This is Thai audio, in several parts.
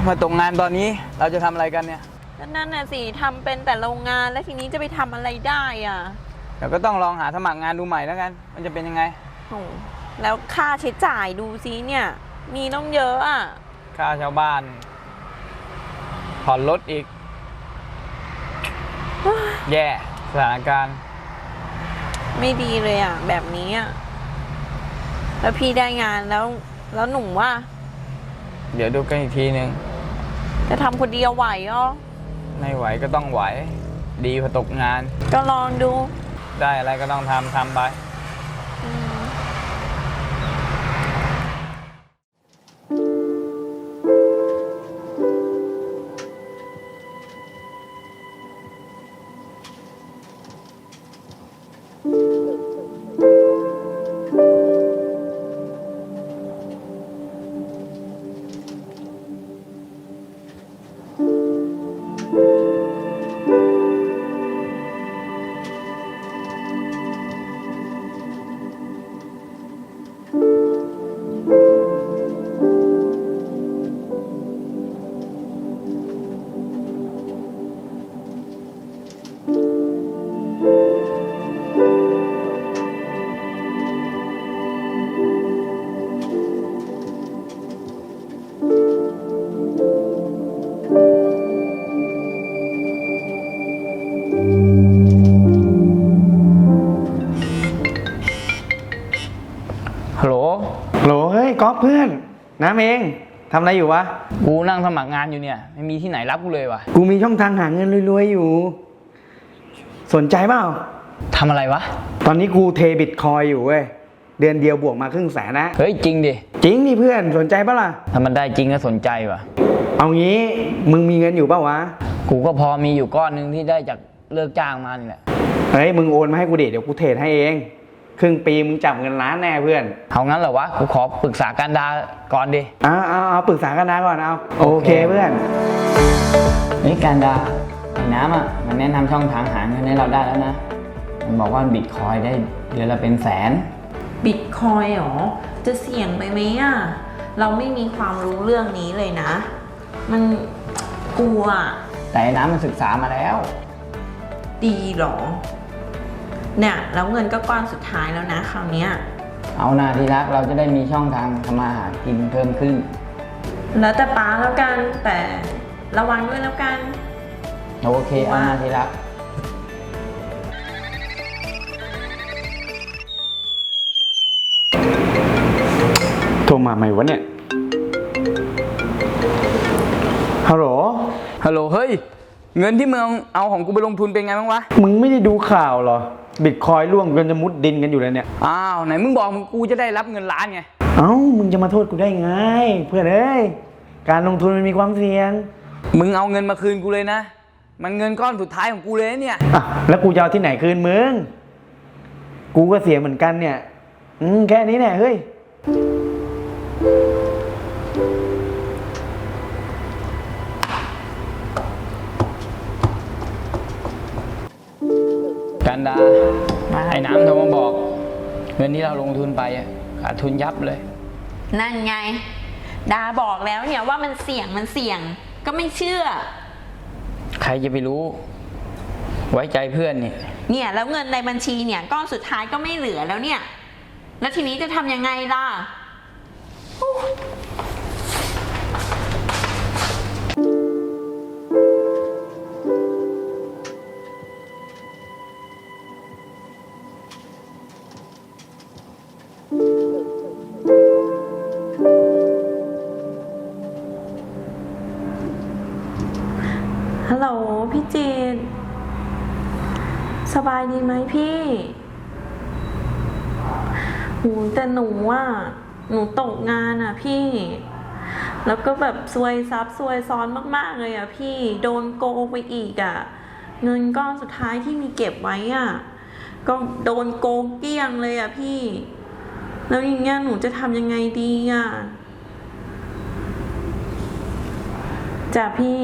มาตกงานตอนนี้เราจะทำอะไรกันเนี่ยนั่นน่ะสิทำเป็นแต่โรงงานแล้วทีนี้จะไปทำอะไรได้อ่ะเดี๋ยวก็ต้องลองหาสมัครงานดูใหม่แล้วกันมันจะเป็นยังไงโอ้แล้วค่าใช้จ่ายดูซิเนี่ยมีต้องเยอะอ่ะค่าชาวบ้านผ่อนรถอีกแย่สถานการณ์ไม่ดีเลยอ่ะแบบนี้อ่ะแล้วพี่ได้งานแล้วหนุ่มว่าเดี๋ยวดูกันอีกทีนึงจะทำคนเดียวไหวอ่ะไม่ไหวก็ต้องไหวดีพอตกงานก็ลองดูได้อะไรก็ต้องทำไปฮัลโหลเฮ้ยก๊อฟเพื่อนน้ำเองทำอะไรอยู่วะกูนั่งสมัครงานอยู่เนี่ยไม่มีที่ไหนรับกูเลยวะกูมีช่องทางหาเงินรวยๆอยู่สนใจเปล่าทำอะไรวะตอนนี้กูเทบิตคอยอยู่เว้ยเดือนเดียวบวกมา100,000นะเฮ้ยจริงดิจริงดิเพื่อนสนใจปะล่ะถ้ามันได้จริงก็สนใจวะเอางี้มึงมีเงินอยู่เปล่าวะกูก็พอมีอยู่ก้อนนึงที่ได้จากเลิกจ้างมานี่แหละเฮ้ยมึงโอนมาให้กูเดี๋ยวกูเทรดให้เองครึ่งปีมึงจับเงินล้านแน่เพื่อนเอางั้นเหรอวะกูขอปรึกษาการดาก่อนดิเอาปรึกษากันนะก่อนเอาโอเคเพื่อนนี่การดาไอ้น้ำอ่ะมันแนะนำช่องทางหาเงินให้เราได้แล้วนะมันบอกว่าบิตคอยได้เดือนละเป็นแสนบิตคอยหรอจะเสี่ยงไปไหมอ่ะเราไม่มีความรู้เรื่องนี้เลยนะมันกลัวแต่ไอ้น้ำมันศึกษามาแล้วดีหรอเนี่ยแล้วเงินก็ก้อนสุดท้ายแล้วนะคราวนี้เอาหน้าที่รักเราจะได้มีช่องทางทำมาหากินเพิ่มขึ้นแล้วแต่ป้าแล้วกันแต่ระวังด้วยแล้วกันโอเคเอาหน้าที่รักโทรมาใหม่วะเนี่ยฮัลโหลเฮ้ยเงินที่มึงเอาของกูไปลงทุนเป็นไงบ้างวะมึงไม่ได้ดูข่าวเหรอบิตคอยร่วงกันจะมุดดินกันอยู่แล้วเนี่ยอ้าวไหนมึงบอกมึงกูจะได้รับเงินล้านไงมึงจะมาโทษกูได้ไงเพื่อนเอ้ยการลงทุนมันมีความเสี่ยงมึงเอาเงินมาคืนกูเลยนะมันเงินก้อนสุดท้ายของกูเลยเนี่ยแล้วกูจะเอาที่ไหนคืนมึงกูก็เสียเหมือนกันเนี่ยแค่นี้แน่เฮ้ยกันดาไอ้น้ำโทรมาบอกเงินที่เราลงทุนไปขาดทุนยับเลยนั่นไงดาบอกแล้วเนี่ยว่ามันเสี่ยงก็ไม่เชื่อใครจะไปรู้ไว้ใจเพื่อนเนี่ยแล้วเงินในบัญชีเนี่ยก้อนสุดท้ายก็ไม่เหลือแล้วเนี่ยแล้วทีนี้จะทำยังไงล่ะฮัลโหลพี่จีนสบายดีไหมพี่แต่หนูตกงานพี่แล้วก็แบบซวยซับซวยซ้อนมากๆเลยพี่โดนโกงไปอีกเงินก้อนสุดท้ายที่มีเก็บไว้ก็โดนโกงเกลี้ยงเลยพี่แล้วอย่างเงี้ยหนูจะทำยังไงดีจ้ะพี่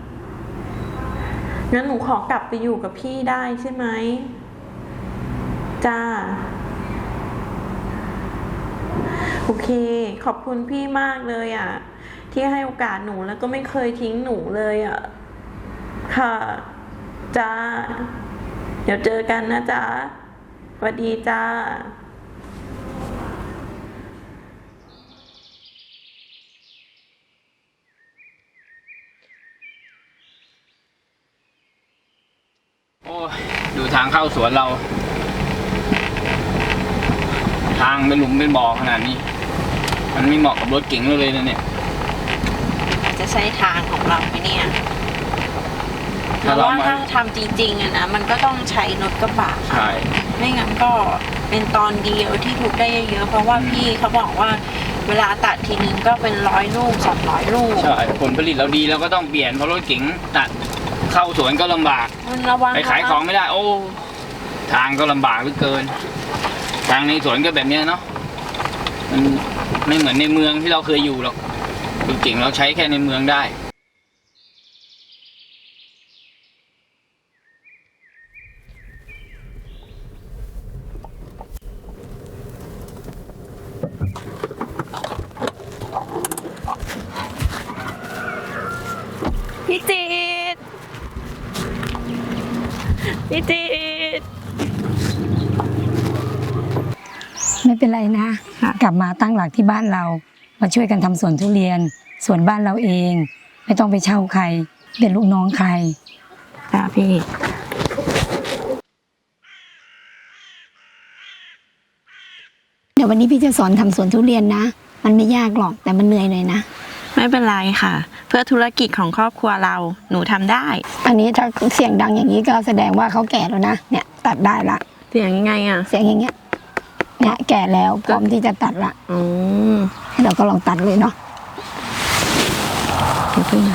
งั้นหนูขอกลับไปอยู่กับพี่ได้ใช่ไหมจ้าโอเค ขอบคุณพี่มากเลยอ่ะ ที่ให้โอกาสหนูแล้วก็ไม่เคยทิ้งหนูเลยอ่ะ ค่ะ จ้า เดี๋ยวเจอกันนะจ๊ะสวัสดีจ้าโอ้ยดูทางเข้าสวนเรา ทางเป็นหลุมเป็นบ่อขนาดนี้ มันไม่เหมาะกับรถเก๋งเลยนะเนี่ยจะใช้ทางของเราไหมเนี่ยเพถ้าราะเราว่ามาถ้าทำจริงๆอะนะมันก็ต้องใช้รถกระบะใช่ไม่งั้นก็เป็นตอนเดียวที่ถูกได้เยอะๆเพราะว่าพี่เขาบอกว่าเวลาตัดทีนึงก็เป็น100 ลูก200 ลูกใช่ผลผลิตเราดีเราก็ต้องเปลี่ยนเพราะรถเก๋งตัดเข้าสวนก็ลำบากมันระวังไปขายของไม่ได้ โอ้ ทางก็ลำบากเหลือเกิน ทางในสวนก็แบบเนี้ยเนาะมันไม่เหมือนในเมืองที่เราเคยอยู่หรอกรถเก๋งเราใช้แค่ในเมืองได้พี่จีดพี่จีดไม่เป็นไรนะ กลับมาตั้งหลักที่บ้านเรา มาช่วยกันทำสวนทุเรียนสวนบ้านเราเอง ไม่ต้องไปเช่าใคร เป็นลูกน้องใครจ้าพี่เดี๋ยววันนี้พี่จะสอนทำสวนทุเรียนนะ มันไม่ยากหรอกแต่มันเหนื่อยหน่อยนะไม่เป็นไรค่ะ เพื่อธุรกิจของครอบครัวเราหนูทำได้อันนี้ถ้าเสียงดังอย่างนี้ก็แสดงว่าเขาแก่แล้วนะเนี่ยตัดได้ละเสียงยังไงอ่ะเสียงอย่างเงี้ยเนี่ยแก่แล้วพร้อมที่จะตัดละอืมเราก็ลองตัดเลยเนาะเดี๋ยวพี่นะ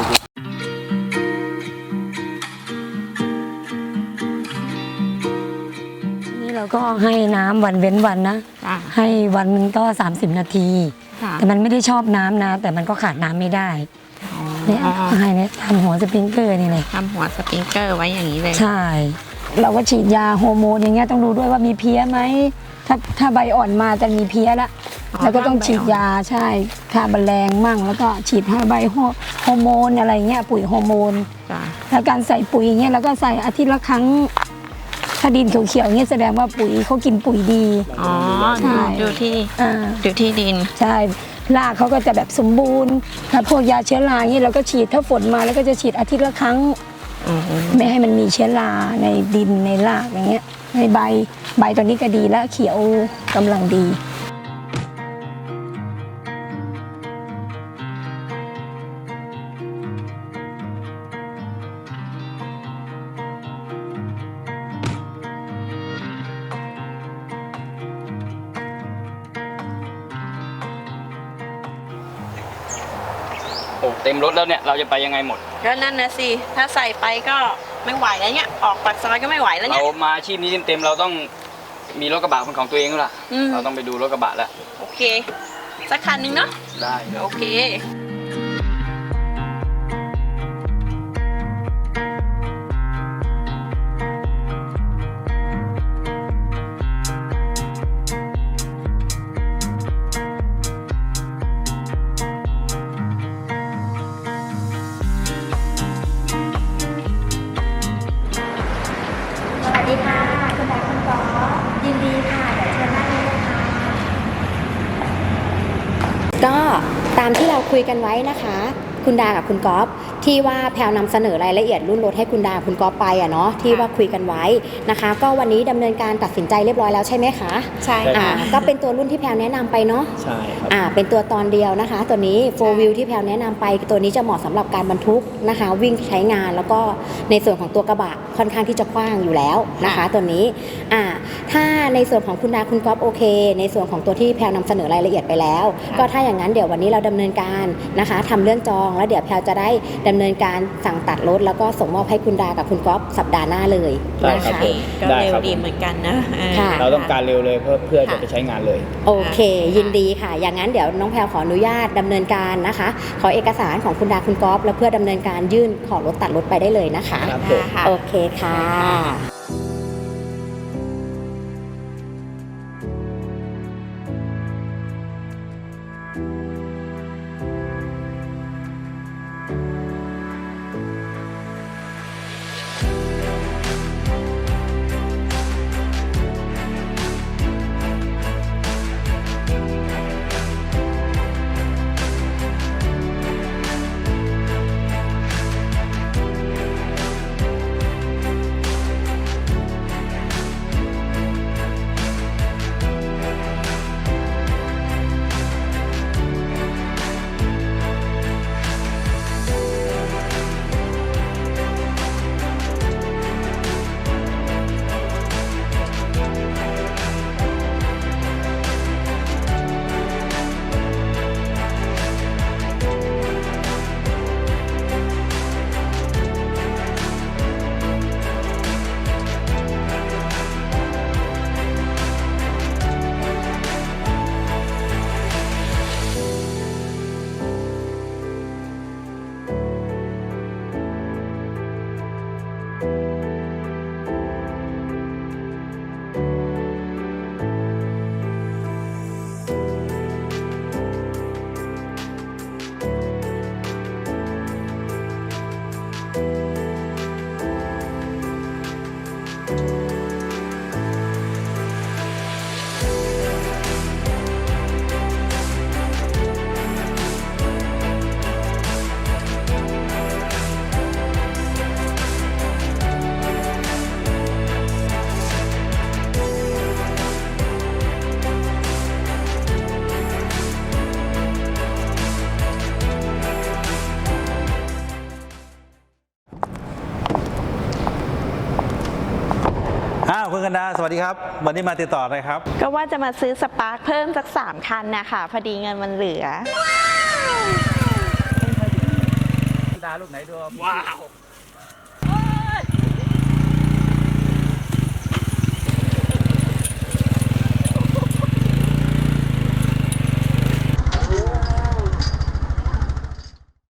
นี่เราก็ให้น้ำวันเว้นวันนะจ้าให้วันหนึงก็30 นาทีจ้าแต่มันไม่ได้ชอบน้ำนะ แต่มันก็ขาดน้ำไม่ได้เนี่ยให้เนี่ยทำหัวสปริงเกอร์นี่เลยทำหัวสปริงเกอร์ไว้อย่างนี้เลยใช่ เราก็ฉีดยาฮอร์โมนอย่างเงี้ยต้องดูด้วยว่ามีเพี้ยไหมถ้าใบอ่อนมาจะมีเพี้ยละอ๋อแล้วก็ต้องถ้าใบฉีดยาใช่ฆ่าแมลงมั่ง แล้วก็ฉีดให้ใบฮอร์โมนอะไรเงี้ยปุ๋ยฮอร์โมนจ้าแล้วการใส่ปุ๋ยอย่างเงี้ยเราก็ใส่อาทิตย์ละครั้งถ้าดินเขียวๆอย่างเงี้ยแสดงว่าปุ๋ยเขากินปุ๋ยดีอ๋อใช่ดูที่อ่าดูที่ดินใช่รากเขาก็จะแบบสมบูรณ์ถ้าพวกยาเชื้อราอย่างเงี้ยเราก็ฉีดถ้าฝนมาแล้วก็จะฉีดอาทิตย์ละครั้งอืมไม่ให้มันมีเชื้อราในดินในรากอย่างเงี้ยในใบตัวนี้ก็ดีแล้วเขียวกำลังดีโอ้เต็มรถแล้วเนี่ย เราจะไปยังไงหมดก็นั่นนะสิ ถ้าใส่ไปก็ไม่ไหวแล้วเนี่ย ออกปากซอยก็ไม่ไหวแล้วเราเนี่ยมาอาชีพนี้เต็มๆเราต้องมีรถกระบะเป็นของตัวเองแล้วล่ะอืมเราต้องไปดูรถกระบะแล้วโอเค สักคันหนึ่งเนาะได้โอเคสวัสดีค่ะ คุณนายคุณกอล์ฟยินดีค่ะ เดี๋ยวเชิญนั่งได้เลยค่ะ ก็ตามที่เราคุยกันไว้นะคะ คุณดากับคุณก๊อฟที่ว่าแพลวนำเสนอรายละเอียดรุ่นรถให้คุณดาคุณก๊อฟไปอะเนาะที่ว่าคุยกันไว้นะคะ ก็วันนี้ดำเนินการตัดสินใจเรียบร้อยแล้วใช่ไหมคะใช่อ่าค่ะก็เป็นตัวรุ่นที่แพลวแนะนำไปเนาะใช่ครับเป็นตัวตอนเดียวนะคะ ตัวนี้ 4 wheel ที่แพลวแนะนำไปตัวนี้จะเหมาะสำหรับการบรรทุกนะคะ วิ่งใช้งานแล้วก็ในส่วนของตัวกระบะค่อนข้างที่จะกว้างอยู่แล้วนะคะ ตัวนี้ถ้าในส่วนของคุณดาคุณก๊อฟโอเค ในส่วนของตัวที่แพลวนำเสนอรายละเอียดไปแล้ว ก็ถ้าอย่างนั้นเดี๋ยววันนี้เราดำเนินการนะคะทำเรื่องจองแล้วเดี๋ยวแพลวจะได้ดำเนินการสั่งตัดรถแล้วก็ส่งมอบให้คุณดากับคุณก๊อฟสัปดาห์หน้าเลยได้นะครัคะบผมก็ได้เร็วครับดีเหมือนกันนะค่ะเราต้องการเร็วเลยเพื่อจะไปใช้งานเลยโอเค ยินดีค่ะ อย่างนั้นเดี๋ยวน้องแพลวขออนุญาตดำเนินการนะคะ ขอเอกสารของคุณดาคุณก๊อฟแล้วเพื่อดำเนินการยื่นขอรถตัดรถไปได้เลยนะคะครับผมค่ะโอเคค่ะคกันดาสวัสดีครับวันนี้มาติดต่ออะไรครับก็ว่าจะมาซื้อสปาร์คเพิ่มสัก3 คันนะคะพอดีเงินมันเหลือว้าว